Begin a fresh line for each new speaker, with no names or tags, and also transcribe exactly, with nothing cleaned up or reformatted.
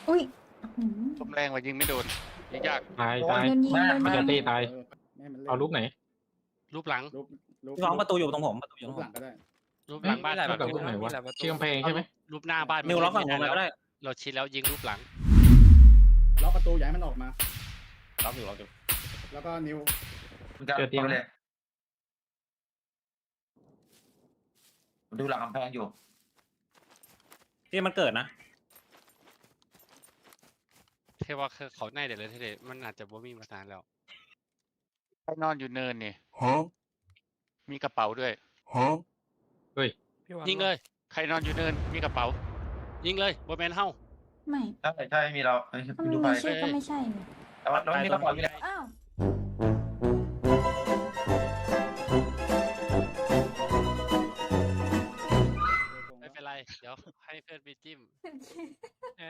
อุ้ย
ลมแรงว่ายิงไม่โดนยิงยาก
ตายตาย
โดนยิงโดน
มัน
ยิ
จะ
ง
ตีตาย
ไม่ให้มันเล่น
เอารูปไหน
รูปหลัง
รูปรูป
พี่น้องประตูอยู่ตรงผมประตูอยู่ต
รู
รง
ป
ผ
หลั
ม
งก็ได้
รูปหลังบ้าน
รูปหลัง
ก่
รู
อน
ปไหนวะ
มีหลายประตู
เชื่อมเพลงใช่ไหม
รูปหน้าบ้าน
มิวล็อกฝั่งผม
ไม่
ก็ได้
เราชิดแล้วยิงรูปหลัง
ล็อกประตูอย่าให้มันออกมา
ล็อกอยู่ล็อกอยู่
แล้วก็นิ้ว
มันจะ
เจอเตียง
ไปเลยผมดูหลังกำแพงอยู่
ที่มันเกิดนะ
เทว่าเขาแน่เดี๋ยวเลยเทเลยมันอาจจะบ่มีมานานแล้วใครนอนอยู่เนินนี่มีกระเป๋าด้วย
พี่วัน
ยิงเลย ใครนอนอยู่เนินมีกระเป๋า ยิงเลยบนแมนเฮ้า
ไม่
ใช่ใช่มีเราเอ้ย
ถ้าไม่
ดูไป
มีชื่อก็ไม่ใช่นี่
แต่ว่าเราไม่มีกระเป๋าอยู่แล้ว
อ้าว
ไม่เป็นไร เดี๋ยวให้เพื่อนไปจิ้ม